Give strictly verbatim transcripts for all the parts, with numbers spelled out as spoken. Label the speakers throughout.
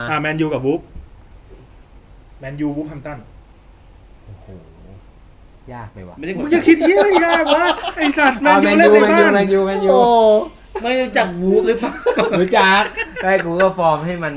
Speaker 1: อ่าแมนยูกับวูฟแมนยูวูฟแฮมป์ตัน
Speaker 2: โอ้โหยากไปว่ะ
Speaker 3: ไม่ได้ก
Speaker 1: มึ
Speaker 3: ด
Speaker 1: งจะคิดเยอะยากวะไอ้สัตว์แมน
Speaker 2: แม
Speaker 1: ยู
Speaker 2: น
Speaker 1: เล่น
Speaker 2: ยู
Speaker 1: ใน
Speaker 2: แมนยู
Speaker 1: บ้าน
Speaker 2: แมนยูแมนยู
Speaker 3: โอ้ไม่รู้จักวูฟหรือเปล่า
Speaker 2: รู้จักได้กูก็ฟอร์มให้มัน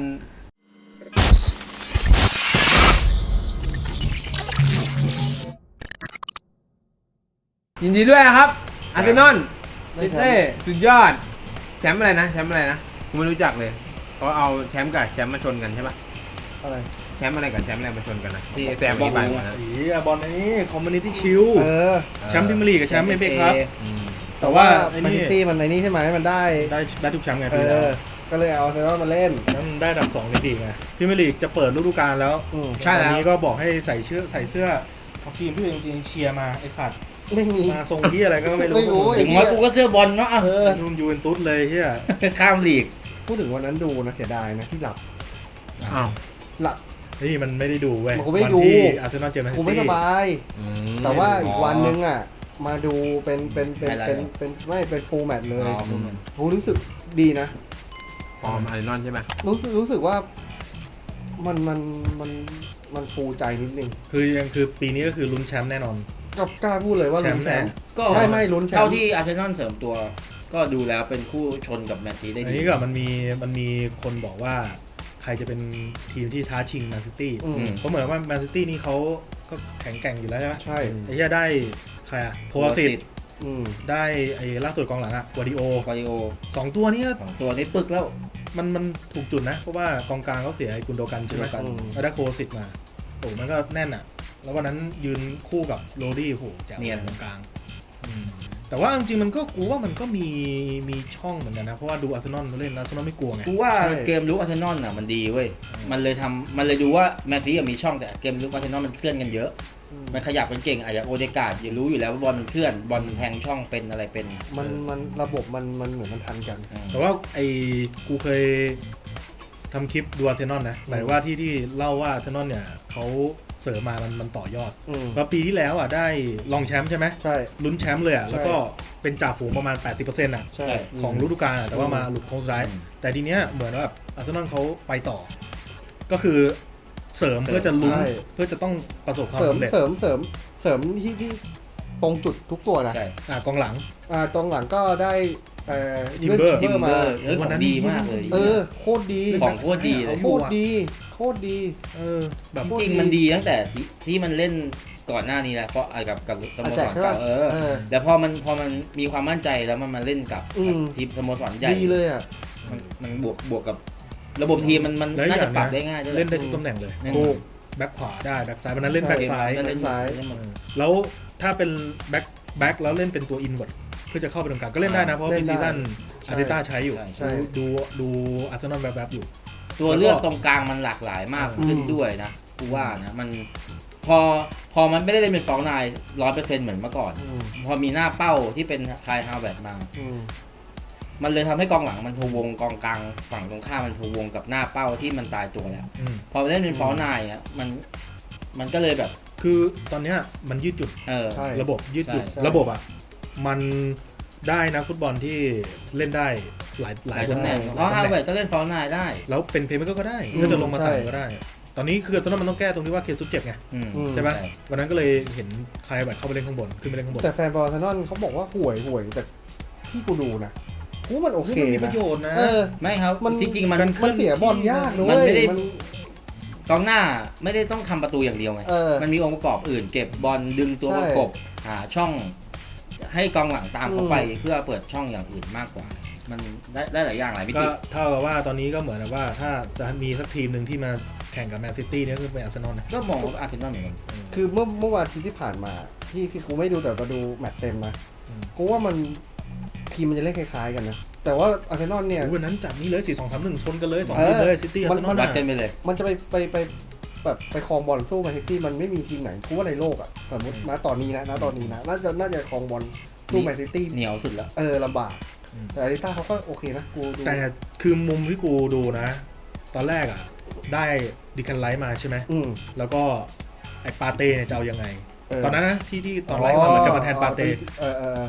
Speaker 2: ยินดีด้วยนะครับอาร์เซนอลลิเต้สุดยอดแชมป์อะไรนะแชมป์อะไรนะกูไม่รู้จักเลยเขาเอาแชมป์กับแชมป์มาชนกันใช่ปะ
Speaker 4: อะไร
Speaker 2: แชมป์อะไรกับแชมป์อะไรมาชนกันนะที่แซมมีใบมานะ
Speaker 1: อีอ่ะบอลอันนี้คอมมูนิตี้ชิล
Speaker 4: เออ
Speaker 1: แชมป์พรีเมียร์ลีกกับแชมป์เอฟเอครับ
Speaker 2: อืม
Speaker 4: แต่ว่า
Speaker 1: ไอ้
Speaker 4: แม
Speaker 1: นี่
Speaker 4: นซิตี้มันในนี้ใช่ไหมมันได้
Speaker 1: ได้ได้ทุกแชมป์ไง
Speaker 4: เอ
Speaker 1: ปีแล้ว
Speaker 4: อ ก็เลยเอาอาร์เซนอลมาเล่น
Speaker 1: แล้วมันได้อันดับสองในลีกไงพรีเมียร์ลีกจะเปิดฤดูกาลแล้ว
Speaker 4: อืม
Speaker 1: ใช่แล้วนี้ก็บอกให้ใส่เสื้อใส่เสื้อเอาทีมที่ตัวเองจริงๆเชียร์มาไอสัตว์
Speaker 4: ไม่มี
Speaker 1: มาทรงที่อะไรก็ไม่รู้
Speaker 4: ไม่รู้
Speaker 3: ถึงว่ากูก็เสื้อบอลเนาะอ่ะ
Speaker 4: เออ
Speaker 1: นุ่มยูเวนตุสเลยเฮีย
Speaker 3: ข้ามลีก
Speaker 4: พูดถึงวันนั้นดูนะเสียดายนะที่หลับ
Speaker 2: อ้าว
Speaker 4: หลับ
Speaker 1: นี่มันไม่ได้ดูเว้ย
Speaker 4: มันก็ไม่ดู
Speaker 1: วันที่อาร์เซนอลเจอแมนซิ
Speaker 4: กู
Speaker 1: ตี้
Speaker 4: ไม่สบาย
Speaker 2: อืม
Speaker 4: แต่ว่าอีกวันนึงอ่ะ มาดูเป็นเป็นเป็นเป็นเป็นไม่เป็นฟูลแมตช์เลย
Speaker 3: อ๋อฟูลแมตช์
Speaker 4: กูรู้สึกดีนะ
Speaker 2: ฟอร์มอาร์เซนอลใช่ไหม
Speaker 4: รู้สึกรู้สึกว่ามันมันมันมันฟูใจนิดนึง
Speaker 1: คือยังคือปีนี้ก็คือลุ้นแชมป์แน่นอน
Speaker 4: ก็กล้าพูดเลยว่าลุ้นแชมป์
Speaker 3: ก็
Speaker 4: ไม่ไม่ลุ้นแชมป์
Speaker 3: เท่าที่อาร์เซนอลเสริมตัว ก็ดูแล้วเป็นคู่ชนกับแมนซีได้
Speaker 1: อัน
Speaker 3: ดี
Speaker 1: นี้ก็มันมีมันมีคนบอกว่าใครจะเป็นทีมที่ท้าชิงแมนซิตี้
Speaker 4: อืม
Speaker 1: เพราะเหมือนว่าแมนซิตี้นี่เขาก็แข็งแกร่งอยู่แล้วใช่ไหม
Speaker 4: ใช่
Speaker 1: ไอ้เหี้ยได้ใครอะโพลาติด
Speaker 4: อืม
Speaker 1: ได้ไอ้ล่าสุดกองหลังอะวาดิโอก
Speaker 3: าดิโอ
Speaker 1: สองตัวเนี้
Speaker 3: สองตัวนี้ปึกแล้ว
Speaker 1: มันมันถูกจุดนะ เพราะว่ากองกลางเขาเสียไอ้กุนโดกันใช่ไหม
Speaker 3: กุนโดกัน
Speaker 1: แล้วได้โคสิตมาโอ้มันก็แน่นอะแล้ววันนั้นยืนคู่กับโรดี้โหแจ๋วตรงกลางอืมแต่ว่าจริงๆมันก็กูว่ามันก็มีมีช่องเหมือนกันนะเพราะว่าดูอาร์เซนอลเล่นแล้วอาร์เซนอลไม่กลัวไง
Speaker 3: กูว่าเกมลุกอาร์เซนอลน่ะมันดีเว้ย มันเลยทำมันเลยดูว่าแมนซีมีช่องแต่เกมลุกอาร์เซนอลมันเคลื่อนกันเยอะ มันขยับเป็นเก่งอาจจะโอเดการ์ดอย่ารู้อยู่แล้วว่าบอลมันเคลื่อนบอลมันแทงช่องเป็นอะไรเป็น
Speaker 4: มันมันระบบมันมันเหมือนมันทันกัน
Speaker 1: แต่ว่าไอ้กูเคยทำคลิปดูอาร์เซนอลนะหมายว่าที่ที่เล่าว่าอาร์เซนอลเนี่ยเขาเสริมมามันมันต่อยอด
Speaker 4: อืม
Speaker 1: แล้วปีที่แล้วอ่ะได้รองแชมป์ใช่ไหม
Speaker 4: ใช่
Speaker 1: ลุ้นแชมป์เลยอ่ะ
Speaker 4: ใช่
Speaker 1: แล้วก็เป็นจ่าฝูงประมาณ แปดสิบเปอร์เซ็นต์ อ่ะ
Speaker 4: ใช่
Speaker 1: ของฤดูกาลอะแต่ว่ามาหลุดโค้งสุดท้าย
Speaker 3: อืม
Speaker 1: แต่ทีเนี้ยเหมือนว่าแบบอาร์เซนอลเขาไปต่อ ก็คือเสริมเพื่อจะลุ้นเพื่อจะต้องประสบความ
Speaker 4: เสริม
Speaker 1: สำเร็จ
Speaker 4: เสริมเสริมเสริมที่ที่ตรงจุดทุกตัวนะ
Speaker 3: ใช่
Speaker 1: อ่ากองหลัง
Speaker 4: อ่าตรงหลังก็ได้เอ่อ
Speaker 1: Timber
Speaker 4: เลื่อน
Speaker 3: ทิ
Speaker 4: ชิ
Speaker 3: ม
Speaker 4: มเบ
Speaker 3: เบ
Speaker 4: อ
Speaker 3: อ
Speaker 4: ร์
Speaker 3: ร์
Speaker 4: มา
Speaker 3: เออของดีมากเลย
Speaker 4: เออโคตรดี
Speaker 3: ของโคตรดีเลย
Speaker 4: โคตรดีโคตรดี
Speaker 1: เออแบบ
Speaker 3: จริงๆมันดีตั้งแต่ที่ที่มันเล่นก่อนหน้านี้แหละเพราะไอ้กับกับสโมสรเก่าเออ
Speaker 4: เออ
Speaker 3: แต่พอมันพอมันมีความมั่นใจแล้วมันมาเล่นกับ
Speaker 4: อืม
Speaker 3: ทีมสโมสรใหญ่
Speaker 4: ดีเลยอ่ะ
Speaker 3: มันมันบวกบวกกับระบบทีมมันมัน
Speaker 1: แล้ว
Speaker 3: น่า
Speaker 1: อย่
Speaker 3: จะ
Speaker 1: ง
Speaker 3: ปรับได้ง่ายด้วย
Speaker 1: เล่นได้ทุกตำแหน่งเลย
Speaker 3: แน่น
Speaker 4: ถู
Speaker 3: อน
Speaker 4: ก
Speaker 1: แบ็คขวาได้แบ็คซ้ายวันนั้นเล่นแบ็คซ้าย
Speaker 3: เล่น
Speaker 4: ซ้าย
Speaker 3: เล่นหมด
Speaker 1: แล้วถ้าเป็นแบ็คแบ็คแล้วเล่นเป็นตัวอินเวิร์ดเพื่อจะเข้าไปตรงกลางก็เล่นได้นะ เพราะว่า
Speaker 4: เล่
Speaker 1: ปี
Speaker 4: นได้
Speaker 1: ซีซั่น
Speaker 4: ใช่
Speaker 1: อาร์เตต้าใช้อยู่
Speaker 4: ใช่
Speaker 1: ดูดูอาร์เซนอลแบบแบบๆอยู่
Speaker 3: ตัวเลือกตรงกลางมันหลากหลายมาก
Speaker 4: อืม
Speaker 3: ขึ้นด้วยนะกูว่านะมันพอพอมันไม่ได้เล่นเป็นฟองนายร้อยเปอร์เซ็นต์เหมือนเมื่อก่อน
Speaker 4: อืม
Speaker 3: พอมีหน้าเป้าที่เป็นคายฮาวเวิร์ดมา
Speaker 4: อืม
Speaker 3: มันเลยทำให้กองหลังมันพะวงกองกลางฝั่งตรงข้ามมันพะวงกับหน้าเป้าที่มันตายตัวแล้ว
Speaker 1: อืม
Speaker 3: พอไปเล่นเป็นฟอลนายอ่ะมันมันก็เลยแบบ
Speaker 1: คือตอนเนี้ยมันยืดจุด
Speaker 3: เออ
Speaker 4: ใช่
Speaker 1: ระบบยืดหยุ่น
Speaker 3: ใช่
Speaker 1: ระบบอ่ะมันได้นะฟุตบอลที่เล่นได้หลายห
Speaker 3: ห
Speaker 1: ลา
Speaker 3: ลาย ย
Speaker 1: ตำ
Speaker 3: ตำ
Speaker 1: แห
Speaker 3: แห
Speaker 1: น่
Speaker 3: น่
Speaker 1: ง
Speaker 3: งเพราะฮาวเวิร์ดก็เล่นฟอลนายได้
Speaker 1: แล้วเป็นเพลย์เมคเกอร์ก็ได้
Speaker 4: อืม
Speaker 1: ก็จะลงมา
Speaker 4: ใช่
Speaker 1: ต่างก็ได้ ตอนนี้คือตอนนั้นมันต้องแก้ตรงที่ว่าเคซุสเจ็บไง
Speaker 3: อืม
Speaker 4: อืม
Speaker 1: ใช่ไหมวันนั้นก็เลยเห็นใครแบบเข้าไปเล่นข้างบนขึ้นไปเล่นข้างบน
Speaker 4: แต่แฟนบอลอาร์เซนอลเขาบอกว่าห่วยห่วยแต่ที่กูดูนะกูว่ามันโอเค
Speaker 1: มันมีป
Speaker 4: นะ
Speaker 1: ระโยชน์นะ
Speaker 4: เออ
Speaker 3: ไม่ครับ
Speaker 4: มัน
Speaker 3: จริงๆมัน
Speaker 1: การ
Speaker 4: มันเสียบอลยากนะ
Speaker 3: มั
Speaker 4: เว้
Speaker 3: นไม่
Speaker 4: ย
Speaker 3: ได้
Speaker 4: มัน
Speaker 3: กองหน้าไม่ได้ต้องทำประตูอย่างเดียวไง
Speaker 4: เออ
Speaker 3: มันมีองค์ประกอบอื่นเก็บบอลดึงตัว
Speaker 4: ใช่
Speaker 3: ประกบหาช่อง ให้กองหลังตามเข้าไป
Speaker 4: อืม
Speaker 3: เพื่อเปิดช่องอย่างอื่นมากกว่า มันได้ได้หลายอย่างหลายมิ
Speaker 1: ก็
Speaker 3: ติ
Speaker 1: เท่ากับว่าตอนนี้ก็เหมือนกับว่าถ้าจะมีสักทีมหนึ่งที่มาแข่งกับแมนซิตี้เนี่ยก็เป็นอาร์เซนอลนะ
Speaker 3: ก็มองว่าอาร์เซนอลเหมือนกัน
Speaker 4: คือเมื่อเมื่อวันอาทิตย์ที่ผ่านมาที่ที่กูไม่ดูแต่มาดูแมตช์เต็มนะ
Speaker 1: อืม
Speaker 4: กูว่ามันทีมมันจะเล่นคล้ายๆกันนะแต่ว่าอาร์เซนอลเนี่ย
Speaker 1: โอ้วันนั้นจัดนี้เลยสี่สองสามหนึ่งชนกันเลยสอง
Speaker 4: เออ
Speaker 1: ทีมเลยซิตี้อาร์เซนอล
Speaker 3: วัดเต็มไปเลย
Speaker 4: มันจะไปไปไปแบบไปครองบอลสู้แมนซิตี้มันไม่มีทีมไหนกูว่าในโลกอ่ะสมมติณตอนนี้นะณตอนนี้นะน่าจะน่าจะครองบอลสู้แมนซิตี้
Speaker 3: เหนียวสุดแล้ว
Speaker 4: เออลำบากแต่อาริต้าเขาก็โอเคนะกูดู
Speaker 1: แต่คือมุมที่กูดูนะ ตอนแรกอ่ะ ได้ดิคันไลท์มาใช่ไหม
Speaker 4: อืม
Speaker 1: แล้วก็ไอ้ปาเต้เนี่ยจะเอายังไง
Speaker 4: เออ
Speaker 1: ตอนนั้นนะที่ที่ตอนไลท์มามันจะมาแทนปาเต้
Speaker 4: เออเออเออ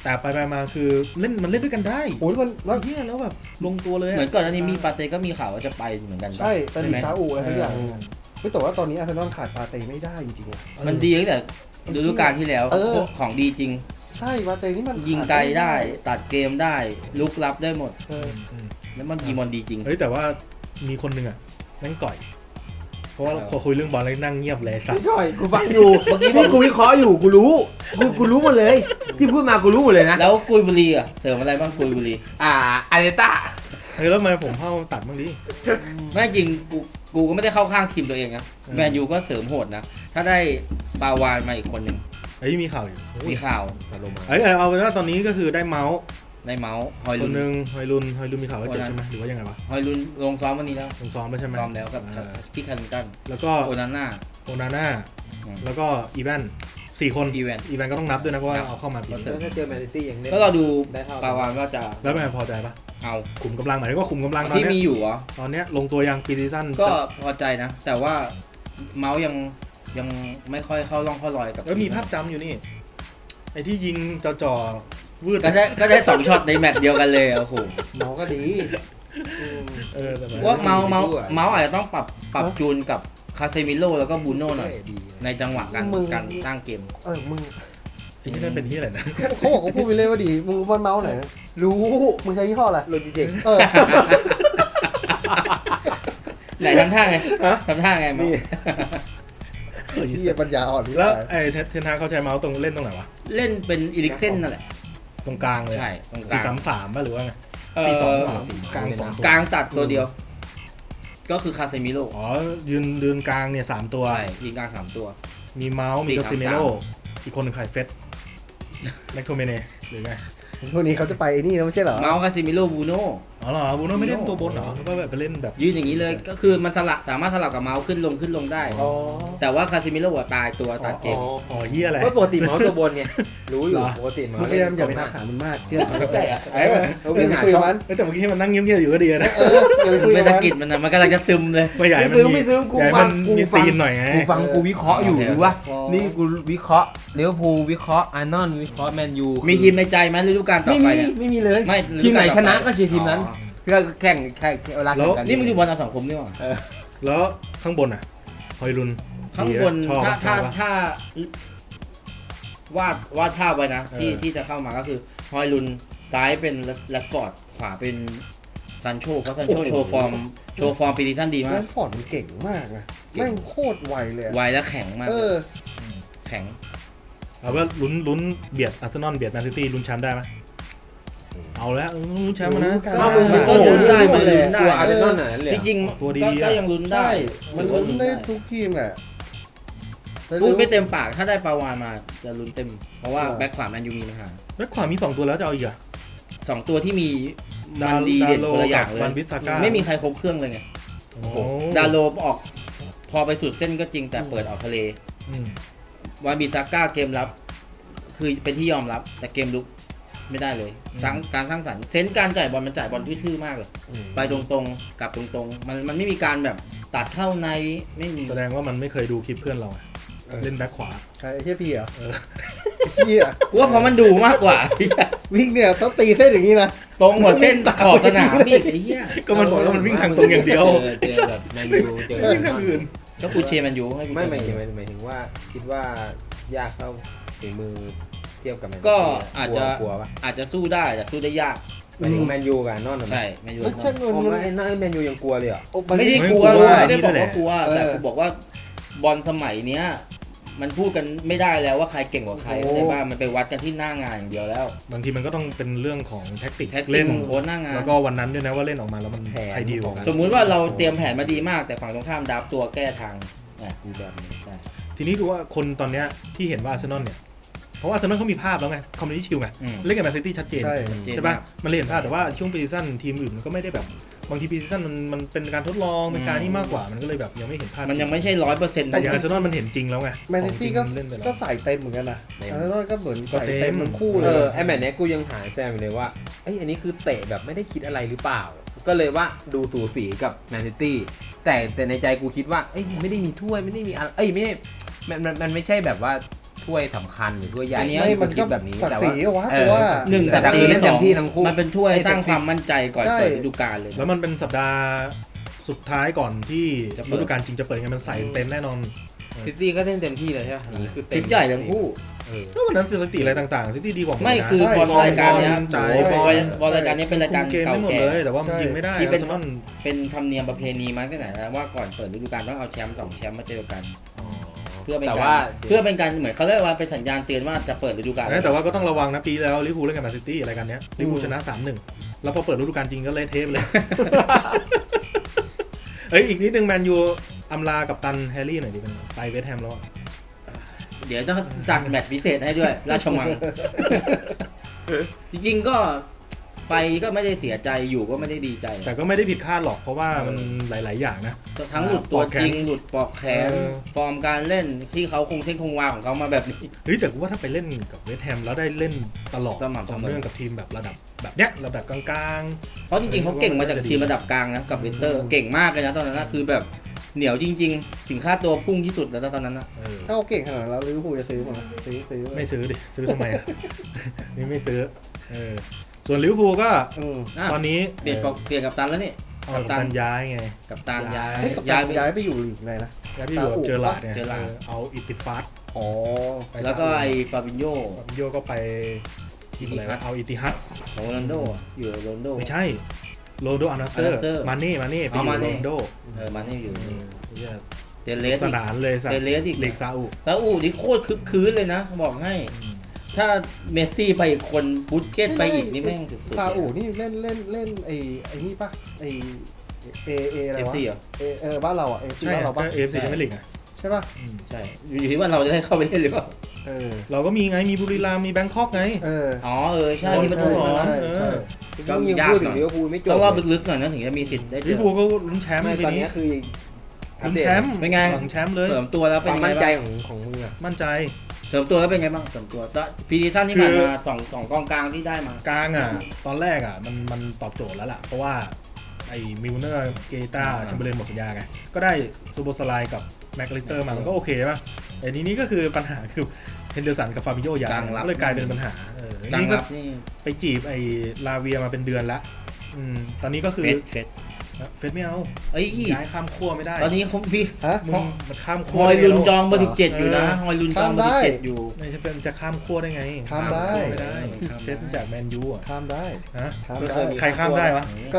Speaker 1: แต่ไปไปมาคือเล่นมันเล่นด้วยกันได้
Speaker 4: โอ้ยมันมัน
Speaker 1: เฮียแล้วแบบลงตัวเลยะ
Speaker 3: เหมือนก่อนหน้านี้มีปาเต้ก็มีข่าวว่าจะไปเหมือนกัน
Speaker 4: ใช่แต่ลี
Speaker 3: ไหม
Speaker 4: ซาอุอะไรทุกอย่าง
Speaker 1: เออ
Speaker 4: เฮ้ยแต่ว่าตอนนี้อาร์เซนอลขาดปาเต้ไม่ได้จริงๆอะ
Speaker 3: มันดีตั้งแต่ฤดูกาลที่แล้ว
Speaker 4: เออ
Speaker 3: ของดีจริง
Speaker 4: ใช่ปาเต้นี่มัน
Speaker 3: ยิงไกลได้ตัดเกมได้ลุกรับได้หมด
Speaker 4: เออ
Speaker 1: อืม
Speaker 3: แล้วมันยิงบอลดีจริง
Speaker 1: เฮ้ยแต่ว่ามีคนหนึ่งอ่ะแม่งก่อย เพราะว่า
Speaker 3: เออ
Speaker 1: พอคุยเรื่องบอลแล้วนั่งเงียบเลยสัต
Speaker 4: ไม่
Speaker 1: ว์
Speaker 4: ย่อย
Speaker 2: กูฟังอยู่เมื่อกี้นี่กูวิเคราะห์อยู่กูรู้กูกูรู้หมดเลย ที่พูดมากูรู้หมดเลยนะ
Speaker 3: แล้วกุยบุรีอ่ะเสริมอะไรบ้างกุยบุรี
Speaker 2: อ่าอาร์เตต้า
Speaker 1: เฮ้ยแล้วทำไมผมเข้าตัดบ้างดิ
Speaker 3: ไม่จริงกูกูก็ไม่ได้เข้าข้างทีมตัวเองนะ
Speaker 1: เออ
Speaker 3: แมนยูก็เสริมโหดนะ ถ้าได้ปาวานมาอีกคนหนึ่ง
Speaker 1: เฮ้ยมีข่าวอยู่
Speaker 3: มีข่าว
Speaker 2: ตัดลงมา
Speaker 1: เอ้ยเอาเอาเป็นว่าตอนนี้ก็คือได้เมาส์
Speaker 3: ในเมาส์ฮอย
Speaker 1: ค
Speaker 3: ลุ
Speaker 1: น
Speaker 3: น
Speaker 1: หนึ่งฮอยลุนฮอยลุนมีข่าวว่าเจ็บ
Speaker 3: คนนั้น
Speaker 1: ใช่ไหมหรือว่ายังไงวะ
Speaker 3: ฮอยลุนลงซ้อมวันนี้แล้ว
Speaker 1: ลงซ้อมแล้วใช่ไหม
Speaker 3: ซ้อมแล้วกับ
Speaker 1: เออ
Speaker 3: พี่คันตัน
Speaker 1: แล้วก็
Speaker 3: โอนาน่า
Speaker 1: โอนาน่า
Speaker 3: อืม
Speaker 1: แล้วก็อีแวนสี่คน
Speaker 3: อีแวน
Speaker 1: อีแวนก็ต้องนับด้วยนะเพราะว่า
Speaker 3: ครับ
Speaker 1: เอาเข้ามาปี
Speaker 3: ก็
Speaker 1: นี้
Speaker 3: เสริม
Speaker 2: ถ้าเจอแมนซิตี้ยังเล่น
Speaker 3: ก็เราดู
Speaker 2: ได้เท่า
Speaker 3: ปาวานว่าจะ
Speaker 1: แล้วเป็นไงพอใจปะ
Speaker 3: เอา
Speaker 1: ขุมกำลังหมายถึงว่าขุมกำลังตอน
Speaker 3: ที่มี
Speaker 1: เนี้ย
Speaker 3: อยู่เหรอ
Speaker 1: ตอนเนี้ยลงตัวยังปีซีซั่น
Speaker 3: ก็
Speaker 1: จะ
Speaker 3: พอใจนะ แต่ว่าเมาส์ยังยังไม่ค่อยเข้าร่องเข้ารอยกับ
Speaker 1: แล้วมีภาพจำอยู่นี่ไอ้ที่ยิงจ่อๆวืด
Speaker 3: ก็ได้ก็ได้สองช็อตในแมตช์เดียวกันเลยอะโอ้โห
Speaker 4: เมาก็ดีอืม
Speaker 1: เออแต่แบบ
Speaker 3: ว่าเมาส์เมาส์เมาส์อาจจะต้องปรับปรับ
Speaker 4: ฮะ
Speaker 3: จูนกับคาเซมิโลแล้วก็บูโน่หน่อย
Speaker 2: ดี
Speaker 3: ในจังหวะการ
Speaker 4: มึง
Speaker 3: การตั้งเกม
Speaker 4: เออมึง
Speaker 1: ที่นั่นเป็นที่อะไรนะ
Speaker 4: เขาบอกเขาพูดไปเลยว่าดีมึงรู้ว่าเมาส์ไหนนะ
Speaker 2: รู้
Speaker 4: มึงใช้ยี่ห้ออะไร
Speaker 2: โลจิเทค
Speaker 4: เออ
Speaker 3: ไหนทำท่าไงทำท่าไงเมาส์
Speaker 4: เฮียปัญญาอ่อนนี่
Speaker 1: แล้วไอ้เทเทนฮากเขาใช้เมาส์ตรงเล่นตรงไหนวะ
Speaker 3: เล่นเป็นอีลิกเซนนั่นแหละ
Speaker 1: ตรงกลางเลย
Speaker 3: ใช่ตรงก
Speaker 1: สี่
Speaker 3: ลาง
Speaker 1: สามสามป่ะหรือว่าไง
Speaker 3: เอ่อ
Speaker 1: สี่สองสามกลางสองตัว
Speaker 3: กลางตัดตัวเดียว ก็คือคาเซมิโล
Speaker 1: อ๋อยืนยืนกลางเนี่ยสามตัว
Speaker 3: ใช่ยิงกลางสามตัว
Speaker 1: มีเมาส์มี
Speaker 3: สี่
Speaker 1: กา
Speaker 3: สาม
Speaker 1: ซิเมโร
Speaker 3: สาม
Speaker 1: อีกคนหนึ่งใครเฟสแม็กโทเมเนหรือไง
Speaker 4: พวกนี้เขาจะไปไอ้นี่แล้วไม่ใช่เหรอ
Speaker 3: เมาส์คาเซมิโลบูโน่
Speaker 1: อ๋อเหรอบูโน่ไม่เล่นตัวบนเหรอหรือว่าแบบไปเล่นแบบ
Speaker 3: ยืนอย่างนี้เลยก็คือมันสลับสามารถสลับกับเมาส์ขึ้นลงขึ้นลงได้
Speaker 4: อ๋อ
Speaker 3: แต่ว่าคาเซมิโลอะตายตัวตัดเกม
Speaker 1: อ๋ออ๋อเฮียอะไร
Speaker 2: ว่าปกติเมาส์ตัวบนไงรู้อยู่
Speaker 1: เหรอ
Speaker 2: ปกติเมา
Speaker 4: มึง
Speaker 2: ส์
Speaker 4: พยายามอย่าไปทักหามันมากเชื่อ
Speaker 3: ใช่อะ
Speaker 2: ไอ้เว้ยเขา
Speaker 4: อย่า
Speaker 2: วิ่ง
Speaker 4: ไป
Speaker 2: หา
Speaker 4: คุยกับ
Speaker 2: ช่อง
Speaker 4: มัน
Speaker 1: เอ้ยแต่เมื่อกี้มันนั่งเงียบๆอยู่ก็ดีนะ
Speaker 4: เอออย่าไปคุย
Speaker 3: ไม่
Speaker 4: กับ
Speaker 3: สะ
Speaker 4: มัน
Speaker 3: กิดมันนะมันกำลังจะซึมเลย
Speaker 1: ไม่ใหญ่
Speaker 2: ไม่
Speaker 1: มัน
Speaker 2: ซื้อ
Speaker 1: มี
Speaker 2: ไม่ซื้อกู
Speaker 1: ใหญ่
Speaker 2: ฟั
Speaker 1: มั
Speaker 2: ง
Speaker 1: น
Speaker 2: กู
Speaker 1: มี
Speaker 2: ฟั
Speaker 1: ซี
Speaker 2: ง
Speaker 1: นหน่อยไง
Speaker 2: กูฟังกูวิเคราะห์อยู่
Speaker 3: โอเค
Speaker 2: หรือว่า
Speaker 3: อ๋อ
Speaker 2: นี่กูวิเคราะห์ลิเวอร์พูลวิเคราะห์อาร์นอนวิเคราะห์แมนยู
Speaker 3: มีทีมในใจไหมฤดูกาลต่อ
Speaker 2: ไม่
Speaker 3: ไป
Speaker 2: มี
Speaker 3: เนี่ย
Speaker 2: ไม่มีเลย
Speaker 3: ไม่
Speaker 2: ทีมไหน
Speaker 3: ฤดู
Speaker 2: ช
Speaker 3: กาลต่อไป
Speaker 2: นะก็เชียร์ทีมนั้น
Speaker 3: อ๋อ
Speaker 2: ก็แข่งแข่งเวลาแข่งกัน
Speaker 3: นี่มันอยู่บอลเอาสังคมนี่หว่า
Speaker 1: แล้วข้างบนอ่ะฮอยลุน
Speaker 3: ข้างบน
Speaker 1: ชอบ
Speaker 3: ถ้า
Speaker 1: ช
Speaker 3: ถ้า
Speaker 1: อบปะ
Speaker 3: ถ้าวาดวาดภาพไว้นะ ที่
Speaker 1: เออ
Speaker 3: ที่จะเข้ามาก็คือฮอยลุนซ้ายเป็นแรดฟอร์ดขวาเป็นซันโชเพราะซันโชโชว์ฟอร์มโชว์ฟอร์มปีนี้ท่านดี
Speaker 4: แล
Speaker 3: มาก
Speaker 4: นฟอร์ดมันเก่งมากนะ
Speaker 3: เก่ง
Speaker 4: แม่งโคตรไวเลยอะ
Speaker 3: ไวและแข็งมาก
Speaker 4: เออ
Speaker 3: แข็ง
Speaker 1: เอาว่าลุ้นลุ้นเบียดอาร์เซนอลเบียดแมนซิตี้ลุ้นแชมป์ได้ไหมเอาแล้วเออลุ้นแชมป์มานะ
Speaker 2: ก็มึงมัน
Speaker 3: ก็
Speaker 2: โอ้โห
Speaker 3: ลุ้นได้มันลุ้นได้
Speaker 2: กลัวอาร์เซนอลหน่อยนั่นเลย
Speaker 3: จริง
Speaker 1: ตัว
Speaker 3: ๆ
Speaker 1: ดี
Speaker 3: ก็
Speaker 1: ๆ
Speaker 3: ก็
Speaker 1: อะ
Speaker 3: ยังลุ้นได้
Speaker 4: ใช่มันลุ้นได้ทุกทีมแหละแต่
Speaker 3: พูดไม่เต็มปากถ้าได้ปาวานมาจะลุ้นเต็ม เพราะว่าแบ็คขวาแมนยูมีปัญหา
Speaker 1: แบ็คขวามีสองตัวแล้วจะเอาอีกเหรอ่ะ
Speaker 3: สองตัวที่มีมันดีเด่นคนละอย่างเลย
Speaker 1: วันวิสาก้า
Speaker 3: ไม่มีใครครบเครื่องเลยไง
Speaker 1: โอ้โห
Speaker 3: ดาโลออกพอไปสุดเส้นก็จริงแต่เปิดออกทะเล
Speaker 1: อืม
Speaker 3: วานบิซาก้าเกมรับ คือเป็นที่ยอมรับ แต่เกมลุกไม่ได้เลยสร้างการสร้างสรรค์เซนส์การจ่ายบอลมันจ่ายบอลทื่อๆมากเลย
Speaker 4: อืม
Speaker 3: ไปตรงๆกลับตรงๆ มันมันไม่มีการแบบตัดเข้าในไม่มี
Speaker 1: แสดงว่ามันไม่เคยดูคลิปเพื่อนเราอะ
Speaker 4: เออ
Speaker 1: เล่นแบ็คขวา
Speaker 4: ใช่ไอ้เฮียพี่เหรอ
Speaker 1: เออ
Speaker 4: เฮีย
Speaker 3: กูว่าเพราะมันดูมากกว่า
Speaker 4: วิ่งเนี่ยต้องตีเส้นอย่างนี้นะ
Speaker 3: ตรงหมดเส้นขอบสนามอีกไอ้เหี้ย
Speaker 1: ก็มันบอกว่ามันวิ่งทางตรงอย่างเดียว
Speaker 2: เจอเจอแบบแมนยูเจอ
Speaker 1: วิ่งทางอื่น
Speaker 3: ก็กูเชียร์แมันยูให้กู
Speaker 2: ไม่หมาย
Speaker 3: เชี
Speaker 2: ถึ
Speaker 3: ย
Speaker 2: ง
Speaker 3: ร์
Speaker 2: หมายถึงว่าคิดว่ายากเท่าฝีมือเทียบกับแมนยู
Speaker 3: ก็อาจจะ
Speaker 2: กลัวปะ
Speaker 3: อาจจะสู้ได้แต่สู้ได้ยาก
Speaker 2: หมายถึงแมนยูกับอาร์นอนเหรอ
Speaker 3: ใช่แมนยู
Speaker 4: ไม่ใช่
Speaker 2: ผม
Speaker 4: มัน
Speaker 2: ว่าไอ้นั่นไอ้แมนยูยังกลัวเลยเหรอ
Speaker 3: ไม่ได้กลัว
Speaker 1: ไม่กลัว
Speaker 3: ไม่ได้บอก
Speaker 1: นี่แห
Speaker 3: ว่า
Speaker 1: ละ
Speaker 3: กลัว
Speaker 4: เออ
Speaker 3: แต่กูบอกว่าบอลสมัยเนี้ย มันพูดกันไม่ได้แล้วว่าใครเก่งกว่าใคร
Speaker 4: โอ้
Speaker 3: เข้าใจป่ะมันไปวัดกันที่หน้างานอย่างเดียวแล้ว
Speaker 1: บางทีมันก็ต้องเป็นเรื่องของแท็กติก
Speaker 3: แท็กติ
Speaker 1: เล่
Speaker 3: ก
Speaker 1: น
Speaker 3: ของโค้ชหน้างาน
Speaker 1: แล้วก็วันนั้นด้วยนะว่าเล่นออกมาแล้วมันใครดีกว่ากัน
Speaker 3: สมมุติว่าเราเตรียมแผนมาดีมากแต่ฝั่งตรงข้ามดับตัวแก้ทางอ่ะอีกแบบหนึงได้
Speaker 1: ทีนี้ดูว่าคนตอนเนี้ยที่เห็นว่าอาร์เซนอลเนี่ยเพราะว่าอาร์เซนอลเขามีภาพแล้วไงคอมมิวนิตี้ชิลไง
Speaker 3: อืม
Speaker 1: เล่นกับแมนซิตี้ชัดเจน
Speaker 4: ใช่
Speaker 3: เจน
Speaker 1: ใช่ปะ
Speaker 3: มาก
Speaker 1: มันเลยเห็นภาพแต่ว่าช่วงปีซีซั่นทีมอื่นมันก็ไม่ได้แบบบางทีปีซีซั่นมันมันเป็นการทดลองเป็นการนี่มากกว่ามันก็เลยแบบยังไม่เห็นภาพ
Speaker 3: มันยังไม่ใช่ร้อยเปอร์เซ็นต์
Speaker 1: แต่อย่างอาร์เซนอลมันเห็นจริงแล้วไง
Speaker 4: แมนซิตี้ก็
Speaker 1: ของจริงเล่นไปแล้ว
Speaker 4: ก็ใส่เต็มเหมือนกันนะ
Speaker 3: เต็ม
Speaker 4: อาร์เซนอลก็เหมือน
Speaker 1: ก็
Speaker 4: ใส่
Speaker 1: เต็
Speaker 4: เต็
Speaker 1: ม
Speaker 4: มทั้งคู่
Speaker 2: เอ
Speaker 4: เลย
Speaker 2: อไอแมตช์เนี้ยกูยังหาแซมอยู่เลยว่าเอ้ยอันนี้คือเตะแบบไม่ได้คิดอะไรหรือเปล่า ก็เลยว่าดูสูสีกับแมนซิตี้แต่แต่ในใจกูคิดว่าเอ้ยไม่ได้มีถ้วยไม่ได้มีอะไรเอ้ยไม่ได้มันมันมันไม่ใช่แบบว่าถ้วยสำคัญหรือถ้วยใหญ่
Speaker 3: อันนี้
Speaker 4: ไม่มัน
Speaker 2: คิ
Speaker 4: ก็
Speaker 2: ดแบบนี้
Speaker 4: ศัก
Speaker 2: แต่
Speaker 4: ดิ์ศ
Speaker 2: ว่า
Speaker 4: รีอะวะ
Speaker 2: เออ
Speaker 4: ตัว
Speaker 3: หนึ่ง
Speaker 2: แต่
Speaker 3: ศักดิ์ศรี
Speaker 2: เล่นเต็มที่ทั้งคู่
Speaker 3: มันเป็นถ้วยสร้างความมั่นใจก่อน
Speaker 4: ใช่
Speaker 3: เปิดฤดูกาลเลย
Speaker 1: แล้วมันเป็นสัปดาห์สุดท้ายก่อนที่
Speaker 3: จะเปิด
Speaker 1: ฤดูกาลจริงจะเปิดไงมันใส่เต็มแน่นอน
Speaker 2: ซิตี้ก็เล่นเต็มที่เลยใช่ไหมอย่างนี้คือเต็
Speaker 3: ที
Speaker 2: ม
Speaker 3: มใหญ่ทั้งคู่
Speaker 2: เออ
Speaker 1: แล้ววันนั้นสถิติอะไรต่างๆซิตี้ดีกว่าหด
Speaker 3: ไม่
Speaker 1: นะ
Speaker 3: คือบอล
Speaker 4: ใช่
Speaker 3: รายการเนี้ย
Speaker 1: ใช่
Speaker 3: โอ้โห
Speaker 4: ใช่
Speaker 3: บอลบอลรายการนี้เป็นรายการ
Speaker 1: คุมเกม
Speaker 3: เก่า
Speaker 1: ได้หมด
Speaker 3: แก่
Speaker 1: เลยแต่ว่ามันยิงไม่ได้
Speaker 3: ที่เป็น
Speaker 1: อาร์เซนอล
Speaker 3: เป็นธรรมเนียมประเพณีมาตั้งแต่ไหนแล้วว่าก่อนเปิดฤดูกาลต้องเอาแชมป์สองแชมป์มาเจอกัน เพื่อเป็น
Speaker 2: แต่
Speaker 3: กา
Speaker 2: ว่า
Speaker 3: รเพื่อเป็นการเหมือนเขาเรียกว่าเป็นสัญญาณเตือนว่าจะเปิดฤดูกาล
Speaker 1: แต่ว่าก็ต้องระวังนะปีแล้วลิเวอร์พูลเล่นกับแมนซิตี้รายการเนี้ยลิเวอร์พูลชนะ สามหนึ่ง แล้วพอเปิดฤดูกาลจริงก็เละเทะไปเลย เอ้ยอีกนิดนึงแมนยูอำลากับตันแฮร์รี่หน่อยดิเป็นไปเวสต์แฮมแล้วอะ
Speaker 3: เดี๋ยวต้องจัดแมตช์พิเศษให้ด้วย ราชมัง จริงๆก็ไปก็ไม่ได้เสียใจอยู่ก็ไม่ได้ดีใจ
Speaker 1: แต่ก็ไม่ได้ผิดคาดหรอกเพราะว่ามันหลาย ๆ อย่างนะ
Speaker 3: ทั้งหลุดตัวจริงหลุดปลอกแขน
Speaker 1: เออ
Speaker 3: ฟอร์มการเล่นที่เขาคงเส้นคงวาของเขามาแบบนี้
Speaker 1: เฮ้ยแต่กูว่าถ้าไปเล่นกับเวสต์แฮมแล้วได้เล่นตลอด
Speaker 3: สม่ำเสมอ
Speaker 1: ต่อเนื่องกับทีมแบบระดับแบบเนี้ยระดับกลาง
Speaker 3: เพราะจริงๆเขาเก่งมาจากทีมระดับกลางนะกับเวนเตอร์เก่งมากเลยนะตอนนั้นนะคือแบบเหนียวจริง ๆ ถึงค่าตัวพุ่งที่สุดแล้วนะตอนนั้นนะ
Speaker 1: ๆเออ
Speaker 4: ถ้าเขาเก่งขนาดนั้นแล้วลิเวอร์พูลจะซื้อมาซื้อซื้อ
Speaker 1: ไม่ซื้อดิซื้อทำไมอ่ะ นี่ไม่ซื้อเออส่วนลิเวอร์พูลก็
Speaker 4: อืม
Speaker 3: อ่ะ
Speaker 1: ตอนนี้
Speaker 3: เปลี่ยนปอกเปลี่ยนกับตันแล้วนี่
Speaker 1: เอากับตันย้ายไง
Speaker 3: กับตันย้าย
Speaker 4: เฮ้ยกับ
Speaker 3: ย้า
Speaker 4: ย้าย ย
Speaker 3: ไป
Speaker 4: ย้ายไปอยู่ลีกไหนนะ
Speaker 1: ย้ายที่อยู่กับเจอหลาดเนี่ย
Speaker 3: เจอหลาด
Speaker 1: เออเอาอิติฟัส
Speaker 4: อ๋อ
Speaker 1: ไป
Speaker 3: แล้วก็ไอ้ฟาบินโญ่
Speaker 1: ฟาบินโยก็ไปทีมอะไรวะเอาอิติฮัด
Speaker 3: ของโรนัลโดอะอยู่กับโรนัลโด
Speaker 1: ไม่ใช่โรนลโดอานาเซอร์
Speaker 3: Al-Nassr
Speaker 1: มาเน่มาเน่ไปอ
Speaker 3: อ๋อยู่ มา
Speaker 1: กับ
Speaker 3: เน่
Speaker 1: โรนลโด
Speaker 3: เออมานี่อยู่
Speaker 1: เออเหี้ย
Speaker 3: เดนเลส
Speaker 1: สนานเลยสัต
Speaker 3: เด
Speaker 1: ว์
Speaker 3: นเลสอีก
Speaker 1: ลีกซาอุ
Speaker 3: แล้วอูนี่โคตรคึกคืนเลยนะ บอกให้ ถ้าเมสซี่ไปอีกคนบุสเกตไปอีกนี่แม่งสุดๆ
Speaker 4: ซาอุนี่เล่นเล่นเล่นไอ้ไอ้นี่ปะไอ้เอเออะไร
Speaker 3: เอฟ
Speaker 4: วะ
Speaker 3: ซีเหรอ
Speaker 4: เอเออบ้านเราอ่ะเอฟซี
Speaker 1: ใช่
Speaker 4: บ้านเรา
Speaker 1: ก็
Speaker 4: ปะ
Speaker 1: เอฟซีไม่ลีกอ่ะ
Speaker 4: ใช่ปะ
Speaker 1: อืม
Speaker 3: ใช่ อยู่ที่ว่าเราจะได้เข้าไปเล่นหรือเปล่า
Speaker 4: เออ
Speaker 1: เราก็มีไงมีบุรีรัมย์มีแบงคอกไง
Speaker 4: เออ
Speaker 3: อ๋อเออใช่ที่ประตู
Speaker 1: สอง
Speaker 3: นะ
Speaker 4: ใช่
Speaker 1: เอ
Speaker 4: ใช่
Speaker 1: อ
Speaker 3: ก็
Speaker 2: มึงยัง
Speaker 3: ยาก
Speaker 2: พูด
Speaker 3: ห
Speaker 2: ถึ
Speaker 3: น่
Speaker 2: ง
Speaker 3: อย
Speaker 2: ลิเวอร์พูลไม่จบ
Speaker 3: ต้องรอบ
Speaker 2: เลย
Speaker 3: ลึกๆหน่อยนะถึงจะมีสิทธิ์ได้เจ
Speaker 1: ลิ
Speaker 3: อ
Speaker 1: เวอร์พูลก็ลุ้นแชมป์
Speaker 2: ไม่
Speaker 1: ปี
Speaker 2: ตอน
Speaker 1: นี้
Speaker 2: นี้คืออัป
Speaker 1: ลุ้น
Speaker 2: เดต
Speaker 1: แชมป์
Speaker 3: เป็นไง
Speaker 1: หลังแชมป์เลย
Speaker 3: เสริมตัวแล้ว
Speaker 2: ค
Speaker 3: เป็น
Speaker 2: วาม
Speaker 3: ไง
Speaker 2: มั่นใจ
Speaker 3: บ้าง
Speaker 2: ของของมึงอะ
Speaker 1: มั่นใจ
Speaker 3: เสริมตัวแล้วเป็นไงบ้างเสริมตัวตอนพีดีซั่นที่ผ่านมาสองสองกองกลางที่ได้มา
Speaker 1: กลางอ่ะ ตอนแรกอ่ะมันมันตอบโจทย์แล้วล่ะ เพราะว่าไอ้มิลเนอร์เกตา
Speaker 3: อ่า
Speaker 1: แชมเบอร์เลนหมดสัญญาไง ก็ได้ซูโบสไลกับแม็กลิสเตอร์มามันก็โอเคป่ะแต่ทีนี้ก็คือปัญหาคือเฮนเดอร์สันกับฟาบิโยย้ายก็เลยกลายเป็นปัญหาเออก
Speaker 3: ลาง
Speaker 1: นี่ก็
Speaker 3: รับนี่
Speaker 1: ไปจีบไอ้ลาเวียมาเป็นเดือนละอืมตอนนี้ก็คือ
Speaker 3: เฟสเฟส
Speaker 1: เฟสไม่เอา
Speaker 3: เอ้ย
Speaker 1: ย้ายข้ามขั้วไม่ได้
Speaker 3: ตอนนี้เขาพี่
Speaker 4: ฮะ
Speaker 1: มึงมันข้าม
Speaker 3: ฮ
Speaker 1: ขั้ว
Speaker 3: อย
Speaker 1: ได้
Speaker 3: ลุน
Speaker 1: แล้ว
Speaker 3: จองเบอร์สิบเจ็ดอยู่นะฮอยลุนจองเบอร์สิบเจ็ดอยู่
Speaker 1: ไม่ใช่เป็นจะข้ามขั้วได้ไง
Speaker 4: ข้ามได้
Speaker 1: ไม่ได้เฟสจากแมนยูอ่ะ
Speaker 4: ข้ามได้
Speaker 1: ฮะ
Speaker 4: ข้าม
Speaker 2: ไม่เค
Speaker 4: ได้
Speaker 2: ยมี
Speaker 1: ใครข้ามได้วะ
Speaker 4: ก็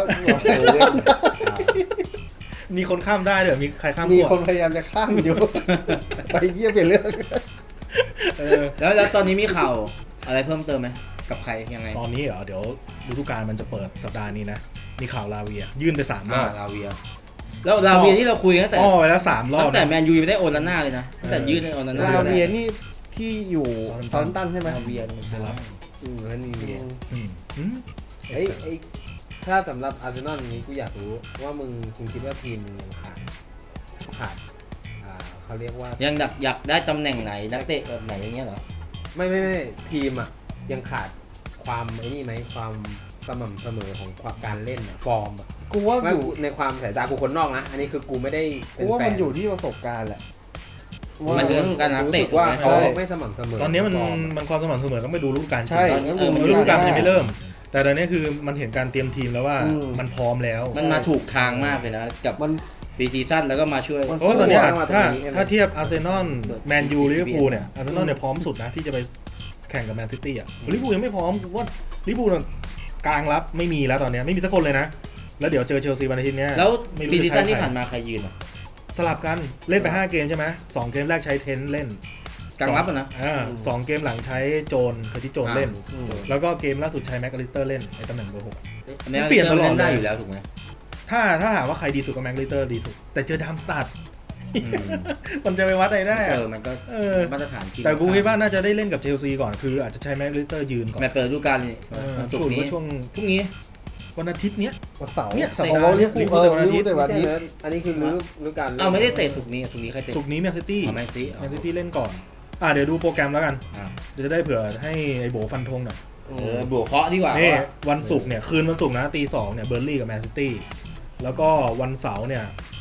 Speaker 1: มีคนข้ามได้เหรอมีใครข้าม
Speaker 4: มี
Speaker 1: ขั้ว
Speaker 4: คนพยายามจะข้ามอยู่ ไปเยี่ยมเปลี่ยนเรื่อง
Speaker 1: เออ
Speaker 3: แล้วแล้วตอนนี้มีข่าวอะไรเพิ่มเติมไหมกับใครยังไง
Speaker 1: ตอนนี้เหรอเดี๋ยวฤดูกาลมันจะเปิดสัปดาห์นี้นะมีข่าวลาเวีย ยื่นไปสามร
Speaker 3: อ่า
Speaker 1: อบ
Speaker 3: ลาเวียแล้วลาเวียที่เราคุยตั้งแต่
Speaker 1: อ้อไปแล้วสามรอบ
Speaker 3: ตั้งแต่
Speaker 1: นะ
Speaker 3: แมนยูยังไม่ได้โอนลาน่าเลยนะตั้งแต่ยื่นในโอนลาน่า
Speaker 4: ลาเวียนี่ที่อยู่ซอนตันใช่ไหม
Speaker 3: ลาเวีย
Speaker 1: จะรับ
Speaker 2: อืมแล้วนี่มี
Speaker 1: อืมอืม
Speaker 2: เอ้ยไอ้ถ้าสำหรับอาร์เซนอลนี้กูอยากรู้ว่ามึงคุณคิดว่าทีมมึงยังขาดขาดอ่าเขาเรียกว่า
Speaker 3: ยังอยากอยากได้ตำแหน่งไหนนักเตะแบบไหนอย่างเงี้ยเหรอ
Speaker 2: ไม่ไม่ไม่ทีมอ่ะยังขาดความไอ้นี่ไหมความสม่ำเสมอของความการเล่นอะฟอร์มอะ
Speaker 4: กูว่า
Speaker 2: ว่า
Speaker 4: อยู่
Speaker 2: กูในความสายตากูคนนอกนะ อันนี้คือกูไม่ได้เป็
Speaker 4: กู
Speaker 2: น
Speaker 4: ว่า
Speaker 2: แฟ
Speaker 4: มัน นอยู่ที่ประสบการณ์แหละ
Speaker 3: มันเรื่องการนัก
Speaker 2: รู้
Speaker 3: เตะ
Speaker 2: สึกว่า
Speaker 3: ถูก
Speaker 2: เขา
Speaker 3: ไหม
Speaker 2: ไม่สม่ำเสมอ
Speaker 1: ตอนนี้มัน
Speaker 2: ฟร์อะ
Speaker 1: มันความสม่ำเสมอต้องไปดูฤดูกาลจริง
Speaker 4: ใช่
Speaker 3: ตอนนี้
Speaker 4: งั้น
Speaker 3: เออมัน
Speaker 1: ฤดูกาลมันยังไม่เริ่ม แต่ตอนนี้คือมันเห็นการเตรียมทีมแล้วว่า
Speaker 4: อืม
Speaker 1: มันพร้อมแล้ว
Speaker 3: มันมาถูกทางมากเลยนะกับ
Speaker 4: มัน
Speaker 3: ปีซีซั่นแล้วก็มาช่วย
Speaker 4: มัน
Speaker 1: เพราะว่าตอนนี้
Speaker 2: สู้
Speaker 1: อะ
Speaker 2: อะ
Speaker 1: ถ้า
Speaker 2: ตรงนี้ใช่ไหม
Speaker 1: ถ้าเทียบอาร์เซนอลแมนยูลิเวอร์พูลเนี่ย
Speaker 3: อืม
Speaker 1: อาร์เซนอลเนี่ยพร้อมสุดนะที่จะไปแข่งกับแมนซิตี้อ่ะลิเวอร์พูลยังไม่พร้อมกูว่าลิเวอร์พูลกลางรับไม่มีแล้วตอนนี้ไม่มีสักคนเลยนะ แล้วเดี๋ยวเจอเชลซีวันอาทิตย์เนี้ย
Speaker 3: แล้ว
Speaker 1: ไม่รู้
Speaker 3: ปีซีซั่น
Speaker 1: จะใช้
Speaker 3: ที่
Speaker 1: ใคร
Speaker 3: ผ่านมาใครยืนอ่ะ
Speaker 1: สลับกันเล่นไปห้าเกมใช่ไหมสองเกมแรกใช้เทนเล่น
Speaker 3: กลางรับอ่ะนะ
Speaker 1: อ่าสองเกมหลังใช้โจนเคอร์ติสโจนเล่น
Speaker 4: อืม
Speaker 1: แล้วก็เกมล่าสุดใช้แม็กอลิสเตอร์เล่นไอ้ตำแหน่งเบอร์หก
Speaker 3: อันนี้
Speaker 1: เปลี่ยนตลอด
Speaker 3: เล่นได้
Speaker 1: เลย
Speaker 3: อยู่แล้วถูกไหม
Speaker 1: ถ้าถ้าถามว่าใครดีสุดก็แม็กอลิสเตอร์ดีสุด แต่เจอดามสตาร์
Speaker 3: อืม
Speaker 1: มันจะไปวัดอะไรได้
Speaker 3: เอ
Speaker 1: อะ
Speaker 3: อมันก็
Speaker 1: เออ
Speaker 3: มาตรฐานทีม
Speaker 1: แต่กูคิดว่าน่าจะได้เล่นกับเชลซีก่อนคืออาจจะใช้แม็กอลิสเตอร์ยืนก่อน
Speaker 3: แมตช์เปิดฤดูกาลนี่
Speaker 1: เออ
Speaker 3: วันศุ
Speaker 1: สู
Speaker 3: ก
Speaker 1: ต
Speaker 3: ร์
Speaker 1: ร
Speaker 3: นี้
Speaker 1: ว่าช่วง
Speaker 3: พรุ่งนี้
Speaker 1: วันอาทิตย์เนี้ย
Speaker 4: วันเสาร์
Speaker 1: เนี่ยสัป
Speaker 4: ขอ
Speaker 1: ดาง ห์
Speaker 4: ลิ
Speaker 1: เนี้
Speaker 4: เวย อร์พูล
Speaker 1: ลิเวอร์พูล
Speaker 4: เออลิเวอร์พูลแต่วัน
Speaker 2: ไม่
Speaker 4: อา
Speaker 2: ใช่
Speaker 4: ทิตย์
Speaker 2: เลยอันนี้คือฤดูฤดูกาล
Speaker 3: อ้าวไม่ได้เตะศุกร์นี้ศุกร์นี้ใครเตะ
Speaker 1: ศุกร์นี้แมนซิตี้
Speaker 3: อ๋อแมนซี
Speaker 1: แมนซิตี้เล่นก่อนอ่าเดี๋ยวดูโปรแกรมแล้วกัน
Speaker 3: อ่า
Speaker 1: เดี๋ยวจะได้เผื่อให้ไอ้โบฟันธงหน่อย
Speaker 3: เออบวกเคราะห์ดีกว่า
Speaker 1: นี่
Speaker 3: ว่า
Speaker 1: วันศุกร์เนี่ยคืนวันศุกร์นะตีสองเนี่ยเบอร์ลี่กับแมนซิตี้แล้วก็วันเสาร์เนี่ยไอ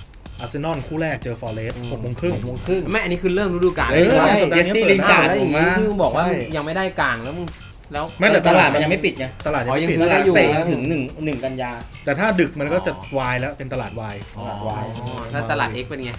Speaker 1: อาร์เซนอลคู่แรกเจอฟอร์เรสต์
Speaker 4: อืม
Speaker 1: หกโมงครึ่ง
Speaker 4: หกโมงครึ่ง
Speaker 2: ไม่อันนี้คือเริ่มฤดูกาล
Speaker 1: เออ
Speaker 2: ใช่ไหม
Speaker 4: ใช่
Speaker 3: เจสซี่ลินการ์ด
Speaker 2: แล้วอ
Speaker 3: ผ
Speaker 2: ย่าม งนี้
Speaker 3: ว่า
Speaker 2: ที่มึงบอกว่า
Speaker 4: ใช่
Speaker 2: ยังไม่ได้กลางแล้วมึงแล้ว
Speaker 1: ไม่แต่
Speaker 3: ตลาดมันยังไม่ปิดไง
Speaker 1: ตลาดยัง
Speaker 2: อ๋อ
Speaker 1: ไม่
Speaker 2: ยัง
Speaker 1: ปิด
Speaker 2: ซื้อ
Speaker 3: ตลา
Speaker 2: ได้
Speaker 3: ด
Speaker 2: อยู่
Speaker 3: เตะถึงหนึ่งหนึ่งกันยา
Speaker 1: แต่ถ้าดึกมันก็จะวายแล้วเป็นตลาดวาย
Speaker 2: อ๋อ
Speaker 3: ตลาดวาย
Speaker 2: แล้วตลาด X เป็นไง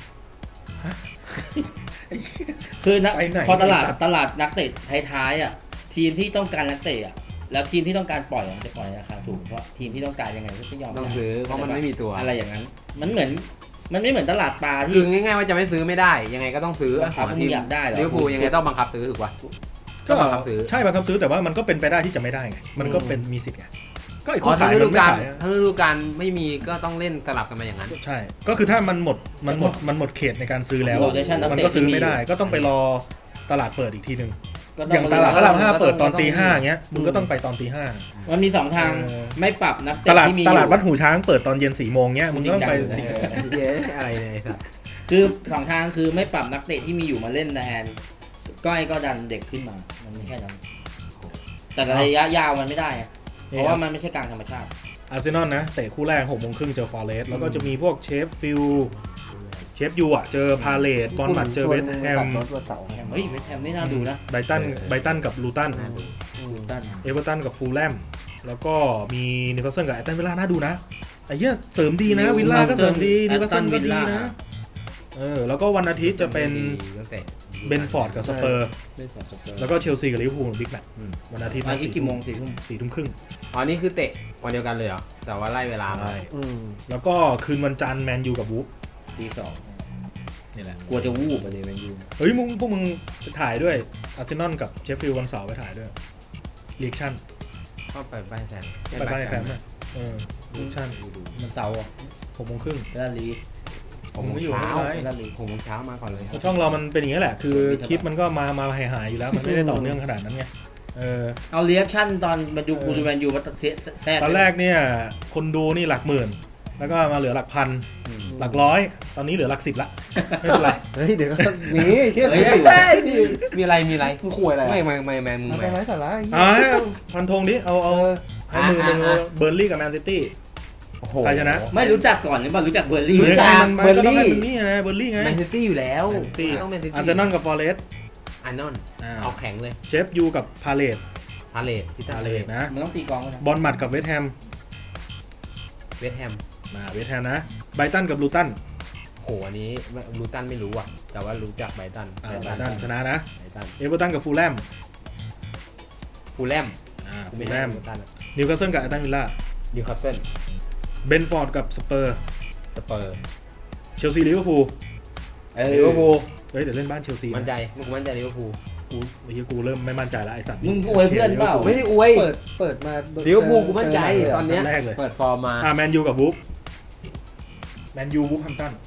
Speaker 3: คือนะ
Speaker 1: ไปไหน
Speaker 3: พอตลาด
Speaker 1: ไอ้สัตว์
Speaker 3: ตลาดนักเตะท้ายๆอ่ะทีมที่ต้องการนักเตะอ่ะแล้วทีมที่ต้องการปล่อยอะมันจะปล่อยราคาสูงเพราะทีมที่ต้องการยังไงก็ไม่ยอม
Speaker 2: ต้อง
Speaker 3: จ่าย
Speaker 2: ซื้อเพราะมันไม่มีตัว
Speaker 3: อะไรอย่างนั้น มันเหมือนมันไม่เหมือนตลาดปลา
Speaker 2: คื
Speaker 3: ที่
Speaker 2: อง่ายๆว่าจะไม่ซื้อไม่ได้ ยังไงก็ต้องซื้อ
Speaker 3: บังคับให้มึงอยากได้เหรอ
Speaker 2: ลิเวอร์พูลยังไงต้องบังคับซื้อถูกป่ะ
Speaker 1: ก็
Speaker 2: บังคับซื้อ
Speaker 1: ใช่บังคับซื้อแต่ว่ามันก็เป็นไปได้ที่จะไม่ได้ไงมันก็เป็นมีสิทธิ์ไงก็ไอ้
Speaker 2: อ๋อ
Speaker 1: คู่
Speaker 2: ทั้
Speaker 1: ขาง ย
Speaker 2: ฤ
Speaker 1: มั
Speaker 2: ดู
Speaker 1: นไม่
Speaker 2: กาล
Speaker 1: ขายอะ
Speaker 2: ทั้งฤดูกาลไม่มีก็ต้องเล่นสลับกันมาอย่างนั้น
Speaker 1: ใช่ก็คือถ้ามันหมดมันหมดมันหมดเขตในการซื้อแล้ว
Speaker 3: โรเทชันนัก
Speaker 1: มัน
Speaker 3: เตะ
Speaker 1: ก็ซื้อ
Speaker 3: ที่
Speaker 1: ไม่ได้
Speaker 3: ยู่
Speaker 1: ก็ต้องไปรอตลาดเปิดอีกทีหนึ่ง
Speaker 3: ก็
Speaker 1: อ
Speaker 3: ต้
Speaker 1: ย่าง
Speaker 3: ม
Speaker 1: ตลาดพระรามห้า
Speaker 2: ก็ต้อง
Speaker 1: เปิดตอน
Speaker 2: ก็ต้อง
Speaker 1: ตีห้าอย่างเงี้ยมึงก็ต้องไปตอนตีห้า
Speaker 3: มันมีสองทาง
Speaker 1: เออ
Speaker 3: ไม่ปรับนัก
Speaker 1: ต
Speaker 3: เตะ
Speaker 1: ลาด
Speaker 3: ที่มี
Speaker 1: ตลาด
Speaker 3: อยู่
Speaker 1: วัดหูช้างเปิดตอนเย็นสี่โมงเงี้ยมึงก็ต้องไป
Speaker 3: จริ
Speaker 1: สี่
Speaker 3: งจัง
Speaker 2: เย้อะไรเนี่ยไอ้สัส
Speaker 3: คือสองทางคือไม่ปรับนักเตะที่มีอยู่มาเล่นแทนก้อยก็ดันเด็กขึ้นมา มันไม่แค่นั้นแต่ระยะยาวมันไม่ได้อะเพราะว่ามันไม่ใช่การธรรมชาติ
Speaker 1: อาร์เซนอลนะเตะคู่แรกหกโมงครึ่งเจอฟอร์เรสต์แล้วก็จะมีพวกเชฟฟิลด์เชฟยูอ่ะเจอพาเลตบอลมัดเจอเวสต์แฮ
Speaker 4: ขับ
Speaker 1: ม
Speaker 4: รถวันเสาร์
Speaker 3: เฮ้ยเวสต์แฮมนี่น่าดูนะ
Speaker 1: ไบรตันไบรตันกับลูตัน
Speaker 3: ลูตัน
Speaker 1: เอเวอร์ตันกับฟูลแลมแล้วก็มีนิวคาสเซิลกับแอตตันวิลล่าน่าดูนะไอ้เหี้ยเสริมดีนะวิลล่าก็เสริมดีนิวคาสเซิลก็ดีนะเออแล้วก็วันอาทิตย์จะเป็น
Speaker 2: ตั้งแต่
Speaker 1: เบนฟอร์ดกับสเปอร์
Speaker 3: เล่นสองสเปอร์
Speaker 1: แล้วก็เชลซีกับลิเวอร์พูลบิ๊กแมตช์
Speaker 2: อืม
Speaker 1: วันอาทิตย์
Speaker 3: วันอาทิตย์กี่โมงสี่ทุ่ม
Speaker 1: สี่ทุ่มครึ่ง
Speaker 2: อ๋อนี่คือเตะวันเดียวกันเลยเหรอ แต่ว่าไล่เวลามา
Speaker 1: ใช่
Speaker 4: อืม
Speaker 1: แล้วก็คืนวันจันทร์แมนยูกับวูฟ
Speaker 3: ตีสอง
Speaker 1: นี่แหละ
Speaker 3: กลัวจะวูบไปเลยแมนยู
Speaker 1: เฮ้ยมึงพวกมึงไปถ่ายด้วยอาร์เซนอลกับเชฟฟิลด์วันเสาร์ไปถ่ายด้วยเรียกชั่น
Speaker 2: ก็ไปไปแฟน
Speaker 1: ไปบ้านไอ้แฟนไหมเออเรียกชั่น
Speaker 3: มันเสาร์อ่ะ
Speaker 1: หกโมงครึ่ง
Speaker 3: เวลาลี
Speaker 2: ผมไม่อยู่
Speaker 1: เช้า
Speaker 2: เช้า
Speaker 3: เวลาลี
Speaker 2: หกโมงเช้ามาก่อนเลย
Speaker 1: ช่องเรามันเป็นอย่างนี้แหละ คือคลิปมันก็มามาหายหายๆอยู่แล้ว มันไม่ได้ต่อเนื่องขนาดนั้นไงเออ
Speaker 3: เอาเรียกชั่นตอนมาดูกูดูแมนยูมาตัดเสียแทรก
Speaker 1: ตอนแรกเนี่ยคนดูนี่หลักหมื่น แล้วก็มาเหลือหลักพัน
Speaker 2: อืม
Speaker 1: หลักร้อย ตอนนี้เหลือหลักสิบละไม่เป็นไร
Speaker 4: เฮ้ยเดี๋ยวก็หนีเที่ยง
Speaker 2: เฮ้ย
Speaker 4: คืน
Speaker 2: เฮ้ยมีอะไรมีอะไร
Speaker 4: มึงคุยอะไร
Speaker 2: ไม่
Speaker 4: อะ
Speaker 2: ไม่ไม่แมนมึง
Speaker 4: มัน
Speaker 2: แม
Speaker 4: เป็น
Speaker 2: น
Speaker 4: ไรสาระไอ้เหี้ย
Speaker 1: อ่าพันธงดิเอาเอา
Speaker 4: เออ
Speaker 1: ให้มือหนึ่ง
Speaker 2: อ่ะอ่ะ
Speaker 1: เบอร์ลี่กับแมนซิตี้
Speaker 2: โอ้โห
Speaker 1: ใครชนะ
Speaker 3: ไม่รู้จักก่อนหรือเปล่ารู้จักเบอร์ลี่
Speaker 2: รู้จัก
Speaker 1: มันมันก็ต้องให้มันนี่ไงเบอร์ลี่ไง
Speaker 2: แมนซิตี้อยู่แล้ว
Speaker 1: แมนซิตี้
Speaker 2: ต้องแมนซิตี้
Speaker 1: อาร์เซนอลกับฟอร์เรสต์
Speaker 2: อาร์นอน
Speaker 1: อ่า
Speaker 2: เอาแข็งเลย
Speaker 1: เชฟยูกับพาเลต
Speaker 2: พาเลตพิตา
Speaker 1: พา
Speaker 2: เล
Speaker 1: เล
Speaker 2: ต
Speaker 1: ตนะ
Speaker 3: มันต้องตีกองกันนะ
Speaker 1: บอลมัดกับเวสต์แฮม
Speaker 2: เวสต์แฮม
Speaker 1: มาเวสต์แฮมนะไบรตันกับลูตัน
Speaker 2: โหอันนี้ลูตันไม่รู้อ่ะ แต่ว่ารู้จักไบรตัน
Speaker 1: อ่าไบรตันชนะนะ
Speaker 2: ไบรตัน
Speaker 1: เอเวอร์ตันกับฟูลแลม
Speaker 2: ฟูลแลม
Speaker 1: อ่า
Speaker 2: กู
Speaker 1: ฟู
Speaker 2: ไม่
Speaker 1: ล
Speaker 2: ใช่
Speaker 1: แลม
Speaker 2: ฟูลตัน
Speaker 1: นิวคาสเซิลกับแอตตันวิลล่า
Speaker 2: นิวคาสเซิล
Speaker 1: เบนฟอร์ดกับสเปอร์
Speaker 2: สเปอร์
Speaker 1: เชลซีลิเวอร์พูล
Speaker 3: เออ
Speaker 2: ลิเวอร์พูล
Speaker 1: เฮ้ยเดี๋ยวเล่นบ้านเชลซี
Speaker 2: มั่นใจมึงมั่นใจลิเวอร์พูล
Speaker 1: กูไอ้เหี้ยกูเริ่มไม่มั่นใจแล้วไอ้สัตว์
Speaker 3: มึงอวยเพื่อนเปล่า
Speaker 2: ไม่ได้อวย
Speaker 4: เปิดเปิดมา
Speaker 2: ลิเวอร์พูลกูมั่นใจ
Speaker 4: เจอ
Speaker 2: ตอนเนี้ย
Speaker 1: แรกเลย
Speaker 2: เปิดฟอร์มมา
Speaker 1: อ่าแมนยูกับวูฟแมนยูวูฟแฮมป์ตัน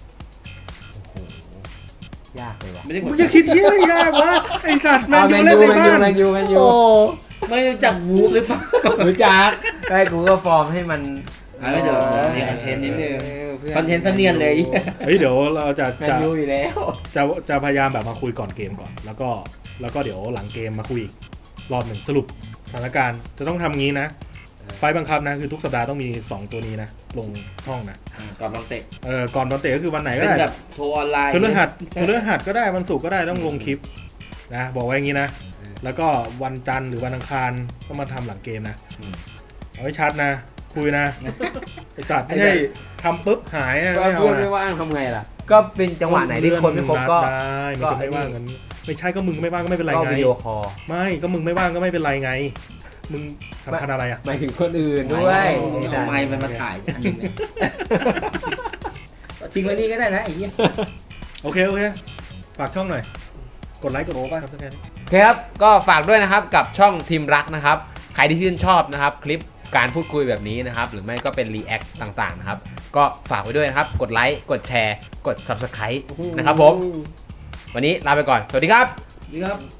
Speaker 2: ยากเลยว่ะ
Speaker 3: ไม่ได้ก
Speaker 1: มึ
Speaker 3: ด
Speaker 1: งจะคิดเหี้ยอะไรยากวะไอ้สัตว์แม
Speaker 2: เอา
Speaker 1: น
Speaker 2: แม
Speaker 1: ยู
Speaker 2: น
Speaker 1: เล่น
Speaker 2: ยู
Speaker 1: ใน
Speaker 2: แมนยู
Speaker 1: บ้าน
Speaker 2: แมนยูแมนยู
Speaker 4: โอ้
Speaker 3: ไม่รู้จักวูฟหรือเปล่า
Speaker 2: รู้จักไอ้กูก็ฟอร์มให้มัน
Speaker 3: เออเดี๋ยวมีคอนเทนต์นิดนึง
Speaker 2: พื่
Speaker 3: คอนเทนต์เสนียนเลย
Speaker 1: เฮ้ยเดี๋ยวเราจะ
Speaker 2: แมน
Speaker 1: จะ
Speaker 2: ยูอยู่แล้ว
Speaker 1: จะจะพยายามแบบมาคุยก่อนเกมก่อน แล้วก็แล้วก็เดี๋ยวหลังเกมมาคุยอีกรอบหนึ่งสรุปสถานการณ์จะต้องทำงี้นะ ไฟล์บังคับนะคือทุกสัปดาห์ต้องมีสองตัวนี้นะลงห้องนะ
Speaker 3: ก่อนบอลเตะ
Speaker 1: เออก่อนวันเตะก็คือวันไหนก็
Speaker 3: เป็น
Speaker 1: ได้
Speaker 3: แบบโทรออนไลน์
Speaker 1: พฤหัสพฤหัสก็ได้วันศุกร์ก็ได้ต้องลงคลิปนะบอกไว้อย่างนี้นะ แล้วก็วันจันทร์หรือวันอังคารก็มาทำหลังเกมนะเอาไว้ชัดนะคุยนะไอสัตว์ไม่ใช่ทำปุ๊บหายนะ
Speaker 2: ก็
Speaker 1: ไม่เอา
Speaker 2: เพื่อน
Speaker 1: นะ
Speaker 2: ไม่ว่างทำไงล่ะ ก็เป็นจังหวะไหนที่คนไม่ครบก็
Speaker 1: ได้มันจะไม่ว่างกันไม่ใช่ก็มึงไม่ว่างก็ไม่เป็นไร
Speaker 2: ก็
Speaker 1: ไง
Speaker 2: วิดีโอคอล
Speaker 1: ไม่ก็มึงไม่ว่างก็ไม่เป็นไรไง มึงสำคัญอะไรอ่ะ
Speaker 2: หมายถึงคนอื่นด้วย
Speaker 3: เอาไมค์มันมาถ่ายอันนึงเนี่ยทิ้งไว้นี่ก็ได้นะไอ้เหี้ย
Speaker 1: โอเคโอเคฝากช่องหน่อยกดไลค์กดโอ้ป่ะครับทุกท่าน
Speaker 2: ครับก็ฝากด้วยนะครับกับช่องทีมรักนะครับ ใครที่ชื่นชอบนะครับ คลิปการพูดคุยแบบนี้นะครับ หรือไม่ก็เป็นรีแอคต่างๆนะครับ ก็ฝากไว้ด้วยนะครับ กดไลค์กดแชร์ กด ซับสไครบ์ นะครับผม วันนี้ลาไปก่อน สวัสดีครับ
Speaker 3: ดีครับ